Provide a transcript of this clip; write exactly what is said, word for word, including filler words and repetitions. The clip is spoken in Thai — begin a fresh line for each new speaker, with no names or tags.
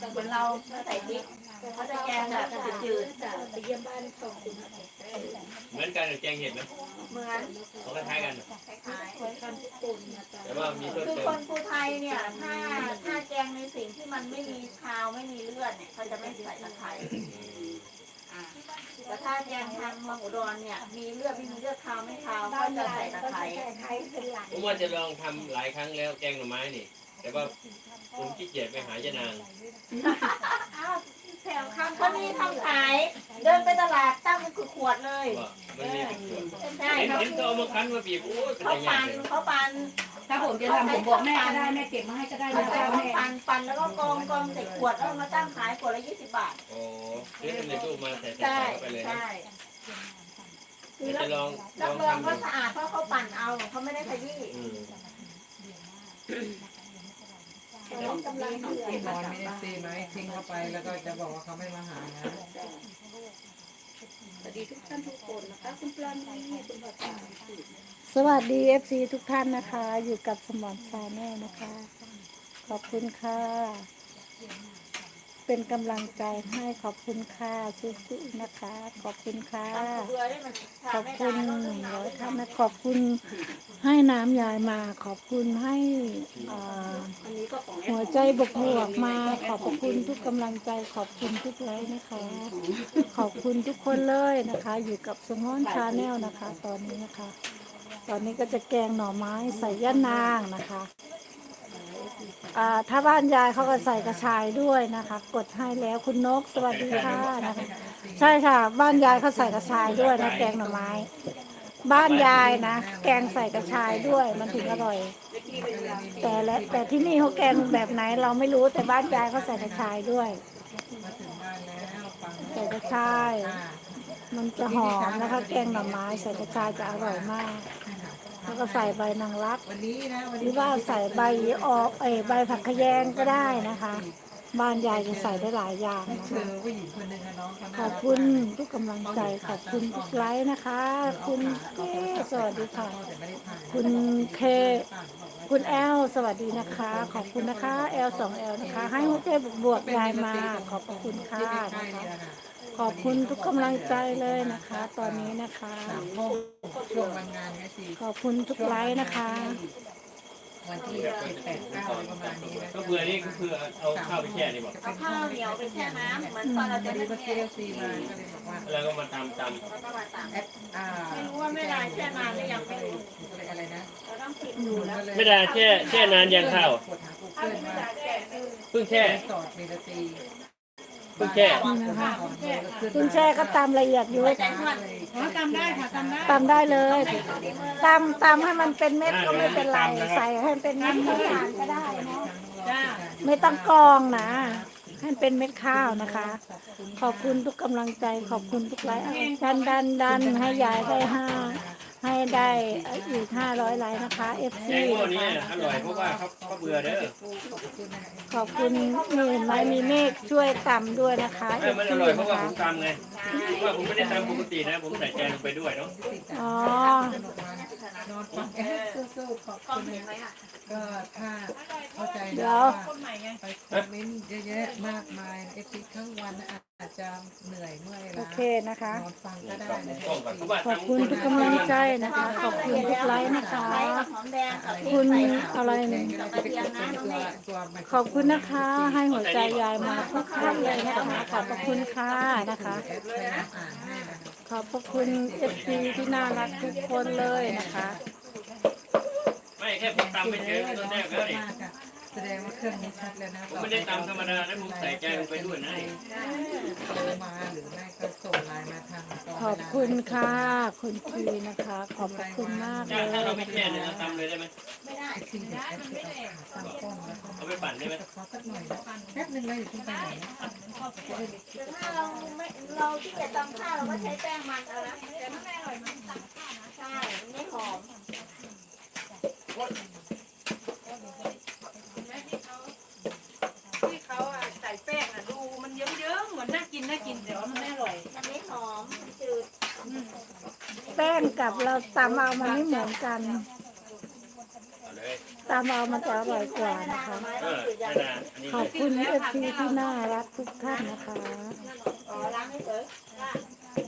เหมือนเราไม่ใส่พริกเขาจะแกงแบบจืดๆ
ไปเยี่ยมบ้านของคุณ
เหมือนกันหรือแกงเห็ดไหม
เหมือน
เขาคล้ายๆกัน
คล้าย
คนทำทุกคนนะจ๊ะ
แต่ว่ามีเพิ่ม
คือ
เติ
ค
ม
นภูไทยเนี่ยถ้าถ้าแกงในสิ่งที่มันไม่มีคาวไม่มีเลือดเนี่ยเขาจะไม่ใส่ตะไคร้อ่าแต่ถ้าแกงทางเมืองอุดรเนี่ยมีเลือดไม่มีเลือดคาวไม่คาวเขาจะใส่ตะไคร้
ไทยเป็นหลัก
ผมว่าจะลองทำหลายครั้งแล้วแกงหน่อไม้นี่ แต่ว่าผมขี้เกียจไปหายานาง
อ้าวแถวคำเขามีทำขายเดินไปตลาดตั้งเป็นขวดเลย
ว่ามันมีเป็นส่วน
ใช่
เห็น
เขา
เห็นเขาเอามาคั้นมาบีบโอ้ยเป็น
เขา
อย่าง
ปั่น
เลย
เขาปั่น
ถ้าผมจะทำผมบอกแม่ก็ได้แม่เก็บมาให้ก็ได้
เขา
นะ
ใช้
จ๊ะ
เขา
แม่
ปั่นปั่นแล้วก็กองกองใส่ขวดแล้วมาตั้งขายขวดละยี่สิบบาท
โอ้เดี๋ยวในตู้มาใส่ใส่
ใช่
เข้าไปเลยนะ
ใช่คือ
เดี๋ยว
รับ
จะลองล
รั
อบ ง
รอง
ทำดู
ว่าสะอาดเพราะเขาปั่นเอาเขาไม่ได้ขยี้
อืม
เขากำลังเดือด
ที่นอนมีเอฟซีไหมทิ้งเข้าไปแล้วก็จะบอกว่าเขาไม่มาหานะ
สวัสดีทุกท่านทุกคนนะคะคุณปลาณีคุณภาษา
สวัสดีเอฟซีทุกท่านนะคะ อยู่กับสมอนชาแนลนะคะ ขอบคุณค่ะ เป็นกำลังใจให้ขอบคุณค่ะสู้ๆนะคะ ขอบคุณค่ะ
เบื่อได้มัน
ขอบคุณหนึ่งร้อยท่านนะขอบคุณให้น้ำยายมา ขอบคุณให้อ่า
อันนี้ก็ของแอ
หัวใจบวกบวกๆมา ขอบคุณทุกกำลังใจ ขอบคุณทุกไลค์นะคะ ขอบคุณทุกคนเลยนะคะ อยู่กับสมอนชาแนลนะคะ ตอนนี้นะคะ ตอนนี้ก็จะแกงหน่อไม้ใส่ย่านางนะคะอ่าถ้าบ้านยายเขาก็ใส่กระชายด้วยนะคะ กดให้แล้วคุณนกสวัสดีค่ะนะคะใช่ค่ะ บ้านยายเขาใส่กระชายด้วยนะแกงหน่อไม้ บ้านยายนะแกงใส่กระชายด้วยมันถึงอร่อย แต่และแต่ที่นี่เขาแกงแบบไหนเราไม่รู้แต่บ้านยายเขาใส่กระชายด้วย
มาถึงบ้านแล้วฟัง
ใส่กระชาย มันจะหอมนะคะ แกงหน่อไม้ใส่กระชายจะอร่อยมาก แล้วก็ใส่ใบนางรัก
วันนี้นะวัน
หรื
นี้
อว่าใส่ใบออกเอยใบผักขยงก็ได้นะคะ บ้านยายจะใส่ได้หลายอย่างนะ
เจ
คะ
อผู้หญิงคนหนึ่งนะน้องเขา
ข
น่า
อบ
รัก
คุณทุกกำลังใจขอบคุณทุกไลค์นะคะ คุณเอสวัสดีค่ะ
แต่ไม่ได้ถ่าย
คุณเคคุณแอลสวัสดีนะคะ ขอบคุณนะคะแอลสองแอลนะคะ ให้หัวใจบวกๆยายมา ขอบพระคุณค่ะ
ใกล้
นะ
ๆ
คะ
เนี่ยนะ
ขอบคุณทุกกำลังใจเลยนะคะ ตอนนี้นะคะ
สามโมงช่วงวันงานไงสิ
ขอบคุณทุกไลค์นะคะ
วันที่เจ็ดแปดเก้าประมาณนี้นะ
ก็เบื่อนี่ก็คือเอาข้าวไปแช่นี่บอก
เอาข้าวเหนียวไปแช่น้ำเหมือนตอนเราจะ
พอดี
นึ่
เมื่อง กี้
เนี่ย
เอฟซีมาก็เลยบอกว่า
แล้วก็มาตำต
แล้วก็มาตำ
แอดอ่า
ไม่รู้ว่าแม่ดาแช่นานหรือยังไม่รู้
อะไรอะไรนะ
เราต้องผิดดูแล้ว
ำไม่ได้แช่แช่นานยังข้าว
กดหากูเกิลมา
เพิ่งแช่
สอดเมลตี
เพิ่งแช่
คุณแช่ก็ตามละเอียดอยู่
ใจนวด
ตำได้ค่ะตำได้
ตำได้เลยตำตำให้มันเป็นเม็ดก็ไม่เป็นไร ใส่ให้เป็นเม็ดข้าวสารก็ได้เนาะ
จ้า
ไม่ต้องกรองนะ ให้เป็นเม็ดข้าวนะคะ ขอบคุณทุกกำลังใจ ขอบคุณทุกไลค์ดันดันดันให้ยายได้ห้าให้ได้อีกห้าร้อยไลค์นะคะเอฟ
แก
ซี
งพวก
นะ
นี้
คะ
อร่อยเพราะว่าเขาเขาเบื่อเด้อ
ขอบคุณนี่เห็นไหมมีเมฆช่วยตำด้วยนะคะเอ
ไม่
ฟ
มันอ
ซี
ร่อยเพ
นะ
ราะว่า
คะ
ผมตำไงว่าผมไม่ได้ตำปกตินะ ผมใส่แกงลงไปด้วยเนาะ
อ๋อ
นอนฟังแอดสู้ๆขอบ
กล้อง
คุณ
เห็นไหม
นะ
อ่ะ
ก็ถ้าเข้าใจ
เดี๋
นะ
ยว
ว่า
คนใหม่ไง
ไปคอมเมนต์เยอะแยะมากมายเอฟซีทั้งวันอาจจะเหนื่อยเมื่อย
โอ
ล้า
เคนะคะ
นอนฟังก็ได้
กับ
นะ
กล้องก่อนเพราะว่า
ขอบคุณทุกกำลังใจนะคะ ขอบคุณทุกไลค์นะคะ
ไลค์กับหอมแดงกับพริก
คุณ
ใส่
อะไร
แก
เนี่ย
งก็ได้จะไปกดเป็นตัวตัวมัน
ขอบคุณนะคะ ให้หัวใจยายมาทุกท่านเลยนะคะ ขอบพระคุณค่ะนะคะ
แอดพยายามอ่านให้นะคะ
ขอบพระคุณเอฟซีที่น่ารักทุกคนเลยนะคะ
ไม่แค่ผมตำไปเฉยตอนแรกแล้วนี่
มากอะแสดงว่าเครื่องนี้ชัดแล้วนะ
ผมไม่ได้ตำธรรมดานะผมใส่แกงลงไปด้วยนะนี่
โทรมาหรือไม่ก็ส่งไลน์มาทางตน
ขอบคุณค่ะ คุณคีนะคะ ขอบพระคุณมากเล
ถ้าย ถ้าเราไม่
นะ
แช่เนี่ย
คะ
เราตำเลยได้ไหม
ไม่ได้
จริงๆแอดคือเอาขาตั้งกล้องแล้วก็
เอาไปปั่นได้ไหม
ขอสักหน่อยนะแป๊บนึงเลยอยู่ที่ไปไหนนะ
แต่ถ้าเราไม่เราที่จะตำข้าวเราก็ใช้แป้งมันเอานะแต่มันไม่อร่อยมันตำข้าวนะใช่มันไม่หอม
ที่เขาอ่ะใส่แป้งอ่ะดูมันเยิ้มๆเหมือนน่ากินน่ากินแต่ว่ามันไม่อร่อย
มันไม่หอมมันจืด
แป้งกับเราตำเอามันไม่เหมือนกัน
เอาเลยเลย
ตามเอามันจะอร่อยกว่านะคะ
เออไม่นานอันนี้
ขอบคุณเอฟซีที่น่ารักทุกท่านนะคะ
อ๋อล้างให้เฉย